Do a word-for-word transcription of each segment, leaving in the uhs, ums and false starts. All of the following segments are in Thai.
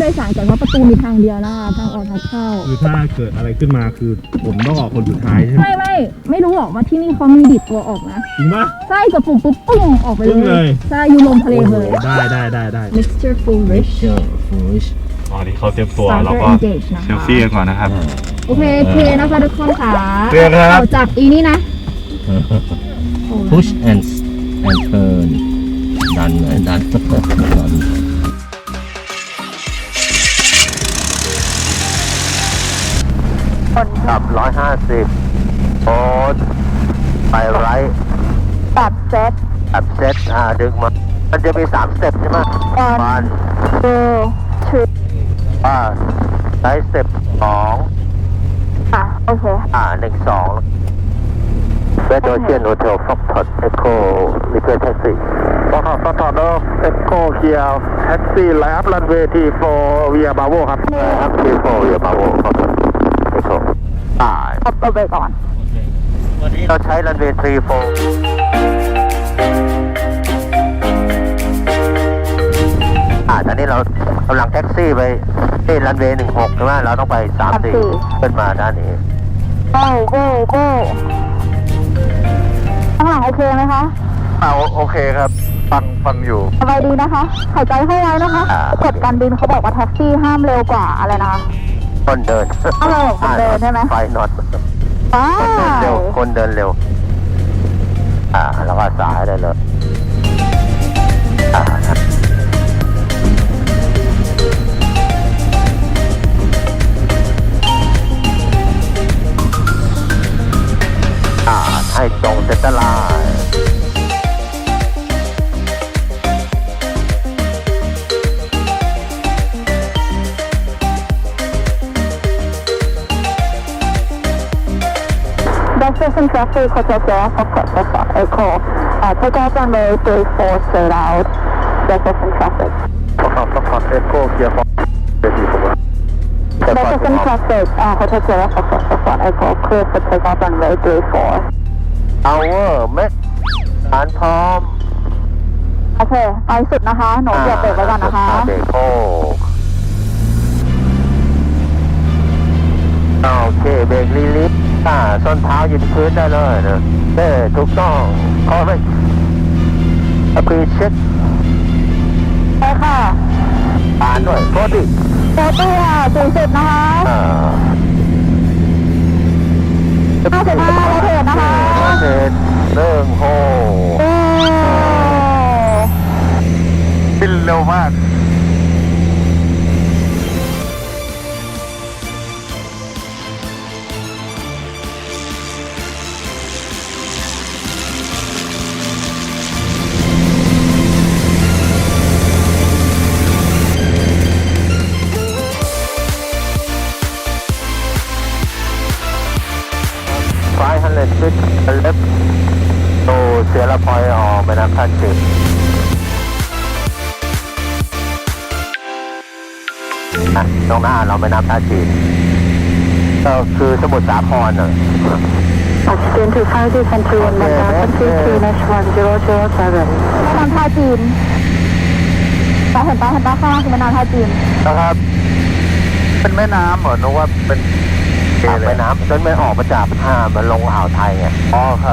ดยสารก่อนเพราะประตูมีทางเดียวนะคะทางออกทางเข้าคือถ้าเกิดอะไรขึ้นมาคือผมต้องออกคนสุดท้ายใช่ไหมไม่ไม่ไม่รู้หรอกว่าที่นี่เขามีดิดตัวออกนะจริงปะใช่กับปุ่มปุ๊บปุ้งออกไปเลยใช่อยู่ลงทะเลเลยได้ได้ได้ได้ mixture foolish foolish ตอนนี้เขาเตรียมตัวเราก็เซลฟี่กันก่อนนะครับโอเคเคนะคะทุกคนค่ะเรียกครับเอาจากอีนี่นะ push and and turn ดันเลยดันดันคนขับร้อยห้าสิบโอ๊ตไปไรแบบเซตแบบเซตอ่าดึงมามันจะมีสามสเต็ปใช่ไหมวันเออชื่ออ่าไลท์สเต็ปสองอ่ะโอเคอ่าหนึ่งสองเวทโอเชียนโฮเทลฟ็อกทอดเอ็กโคลิเวอร์แท็กซี่ฟ็อกทอดฟ็อกทอดเอ็กโคเคียวแท็กซี่ไลน์อัพรันเวย์ทีโฟเวียบาโวครับไลน์อัพทีโฟเวียบาโวฟ็อกทอดเอ็กโคอ่าเอาไปก่อนวันนี้เราใช้รันเวย์ทีโฟอ่าตอนนี้เรากำลังแท็กซี่ไปที่รันเวย์หนึ่งหกใช่ไหมเราต้องไปสามสี่ขึ้นมาด้านนี้โก้โก้โก้ข้างหลังโอเคไหมคะอ่าโอเคครับฟังฟังอยู่สบายดีนะคะหายใจเข้าไว้นะคะกฎการบินเขาบอกว่าแท็กซี่ห้ามเร็วกว่าอะไรนะคนเดินเออคนเดินใช่ไหมไฟนอตคนเดินเร็วคนเดินเร็วอ่าแล้วก็สายได้เลยอ่าให้ตรงเซ็นเตอร์ไลน์ Destination traffic Hotel Sierra Foxtrot Foxtrot Echo take off runway three four straight out Destination traffic Foxtrot Foxtrot Echo เคลียร์ฟอร์ Destination traffic Hotel Sierra Foxtrot Foxtrot Echo clear for take off runway three four เอาเวอร์แม็กฐานพร้อมโอเคไปสุดนะคะหนูเหยียบเบรกไว้ก่อนนะคะเบรกโอ้โอเคเบรกลีลิฟอ่าส้นเท้าหยุดพื้นได้เลยนะเด้ถูกต้องขอไม่อภิเช็คใช่ค่ะอ่านด้วยโคติโคติอ่ะสี่สิบนะคะอ่าห้าสิบห้าโรเทตนะคะโรเทตเรื่องโฮบินเร็วมากfive hundred feet left to Sierra Point or แม่น้ำท่าจีนอ่ะตรงหน้าเราแม่น้ำท่าจีนก็คือสมุทรสาครน่ะ Oxygen to five two country one one nine two two dash one zero zero seven แม่น้ำท่าจีนไปเห็นปะเห็นปะข้างล่างคือแม่น้ำท่าจีนนะครับเป็นแม่น้ำเหรอนึกว่าเป็นแม่น้ำจนไม่ออกมาจากอ่ามันลงอ่าวไทยไงอ๋อครับ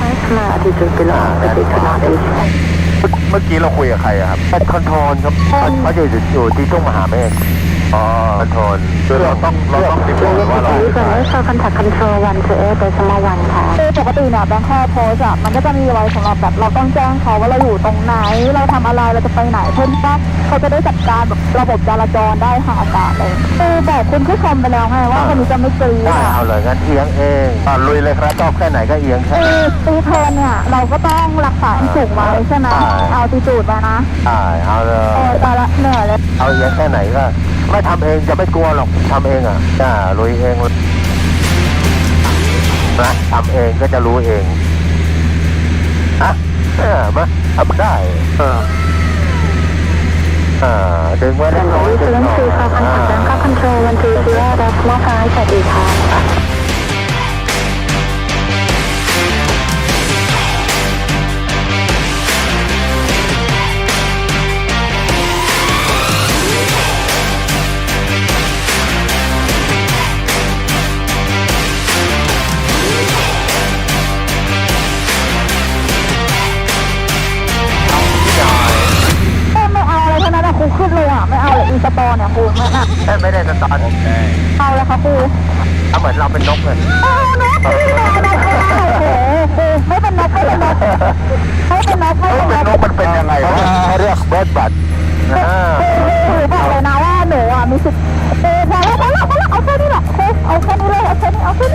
เมื่อกี้เราคุยกับใครครับเป็นคอนโทรลครับเขาจะอยู่ที่ทุ่งมหาเมฆอ๋อคอนโทรลคือเราต้องเราต้องติดต่อว่าเราใช้คอนแทคคอนโทรลวันคือเอเดซิมอลวันค่ะคือปกติเนี่ยแบงค์แค่โพสอะมันก็จะมีไว้สำหรับแบบเราต้องแจ้งเขาว่าเราอยู่ตรงไหนเราทำอะไรเราจะไปไหนเพื่อว่าเขาจะได้จัดการแบบระบบจราจรได้ทางอากาศเลยคือบอกคุณผู้ชมไปแล้วไงว่าคนนี้จะไม่กรี๊ดได้เอาเลยงั้นเอียงเองอ่าลุยเลยครับชอบแค่ไหนก็เอียงแค่คือตีเทนเนี่ยเราก็ต้องรักษาสูงไว้ใช่ไหมเอาตีจูดไปนะใช่เอาเลยเออแต่ละเหนื่อยเลยเอาเอียงแค่ไหนก็ไม่ทำเองจะไม่กลัวหรอกทำเองอ่ะจ้าลุยเองนะทำเองก็จะรู้เองอ่ะเออมาทำได้เอออ่าดึงไว้ได้น้อยดึงหน่อยอ่าคอนโทรลวันที่สี่ดับมอไซค์สวัสดีค่ะมีสตอเนี่ยครูไม่น่ะไม่ได้สตอนเอาแล้วค่ะครูเอาเหมือนเราเป็นนกเลยเออนกไม่เป็นนกไม่เป็นนกโอ้โหครูไม่เป็นนกไม่เป็นนกไม่เป็นนกไม่เป็นนกนกมันเป็นยังไงวะเขาเรียกเบิร์ดบัตครูบอกเลยนะว่าหนูอ่ะมีสิทธิ์เออพอแล้วพอแล้วพอแล้วเอาแค่นี้แหละครูเอาแค่นี้เลยเอาแค่นี้เอาแค่นี้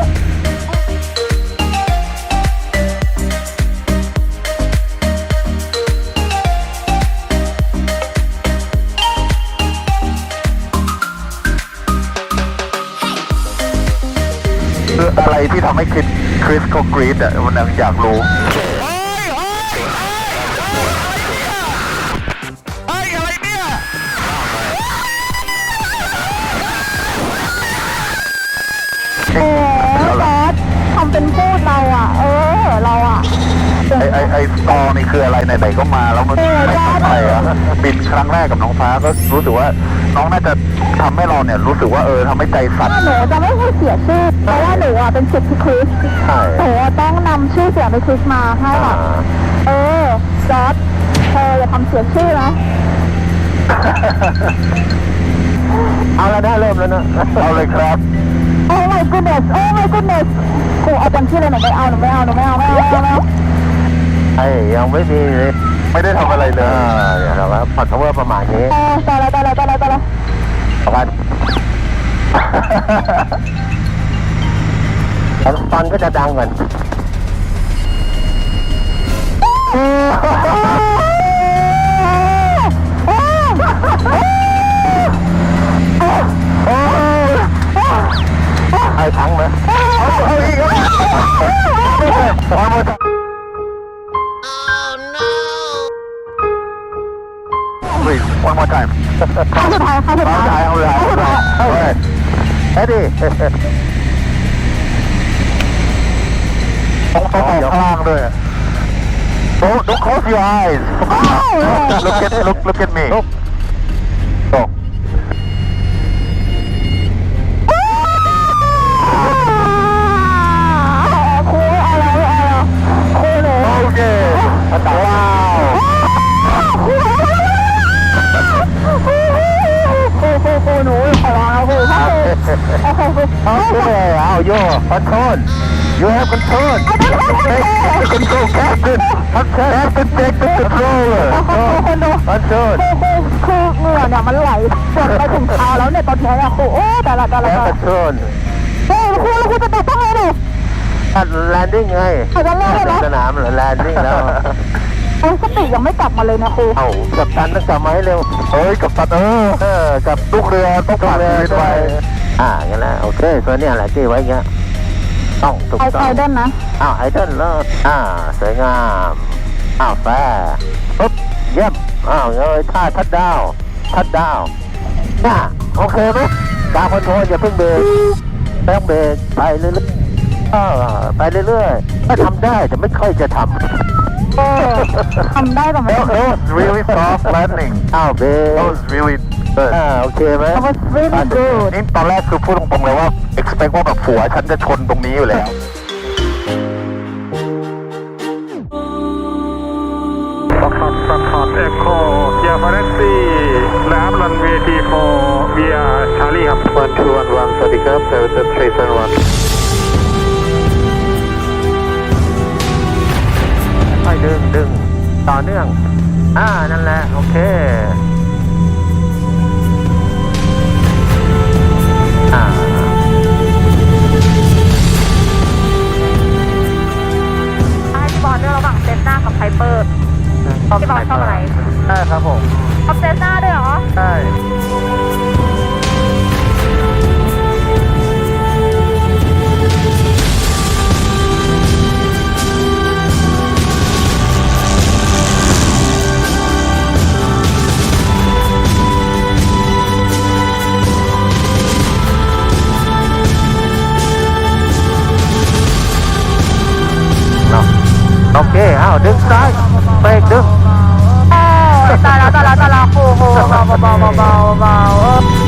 คืออะไรที่ทำให้คริสคริสเขากรี๊ดอ่ะมันอยากรู้โอ้ซอสทำเป็นพูดเราอ่ะ เออ เราอ่ะไอไอไอสตอนี่คืออะไรไหนๆก็มาแล้วมันไม่เข้าใจอ่ะบินครั้งแรกกับน้องฟ้าก็รู้สึกว่าน้องน่าจะทำให้เราเนี่ยรู้สึกว่าเออทำให้ใจสั่นหนูจะไม่ให้เสียชื่อ เพราะว่าหนูอ่ะเป็นสิทธิ์พี่คริสใช่หนูอะต้องนำชื่อเสียงพี่คริสมาให้แบบเออซอสเธออย่าทำเสียชื่อนะเอาแล้วนะเริ่มแล้วนะเอาเลยครับโอ้ my goodness โอ้ my goodness กูเอาจำชื่อเลยหนูไม่เอาหนูไม่เอาหนูไม่เอาไม่เอาไม่เอาไม่เอาไอ้ยังไม่มีไม่ได้ทำอะไรเลยเนี่ยเราก็พอดเวอร์ประมาณนี้เออตายแล้วตายแล้วตายแล้วตายแล้วประมาณแล้วตอนก็จะดังก่อนไอ้ทั้งไหมเอาเอาอีกเอาหมด Please, one more time. ครั้งสุดท้ายครั้งสุดเอาท้ายเลยเอาเลยเอาเลยเอาเลยเอ็ดดี้ต้องต้องออกข้างล่างด้วย Don't don't close your eyes. Look at look look at me. Look. Look. ครูอะไรอะไรครูหนู Okay. Wow. ครูครูครูครูหนูขอร้องครูครูโอเคครู Okay. Now you control. You have control. Take the control, Captain. Captain, take the controller. คนดู Control. ครูครูเหงื่อเนี่ยมันไหลจนไปถึงเท้าแล้วเนี่ยตอนนี้เนี่ยครูโอ้แต่ละแต่ละ Have control. เฮ้ยครูแล้วครูจะตกต้องไงดิแลนดิ้งไงอาจจะเล่นเลยเหรอสนามเหรอแลนดิ้งแล้วโอ้สติยังไม่กลับมาเลยนะครูเอากับตันต้องกลับมาให้เร็วเฮ้ยกับตันเออเออกับลูกเรือต้องผ่านเรือไปอ่างั้นนะโอเคตัวเนี้ยแหละที่ไว้เงี้ยต้องถูกไอต้ไอองเดนนะอ้าวไอเดนเลิศอ่าสวยงามอ้าวแฟร์ปุ๊บเยี่ยมอ้าวเลยท่าทัดดาวทัดดาวน่ะโอเคไหมตาคอนโทรลอย่าเพิ่งเบรกไม่ต้องเบรกไปเรื่อยๆเออไปเรื่อยๆก็ทำได้แต่ไม่ค่อยจะทำเออทำได้แต่ไม่ That was really soft landing อ้าวเบร That was really good อ่าโอเคไหม That was really good นี่ตอนแรกคือพูดตรงๆเลยว่า expect ว่าแบบผัวฉันจะชนตรงนี้อยู่แล้ว Foxtrot Foxtrot Echo Kia Taxi และอัพรันเวย์ทีโฟเวียชาลีครับ one two one one สวัสดีครับ service three seven one ค่อยดึงดึงต่อเนื่องอ่านั่นแหละโอเคอ่าให้พี่บอลเลือกระหว่างเซนหน้ากับไฮเปอร์พี่บอลชอบอะไรได้ครับผมชอบเซนหน้าด้วยเหรอได้ โอเคเอาดึงซ้ายเบรกดึงโอ้ตายแล้วตายแล้วตายแล้วครูครูเบาเบาเบาเบาเบา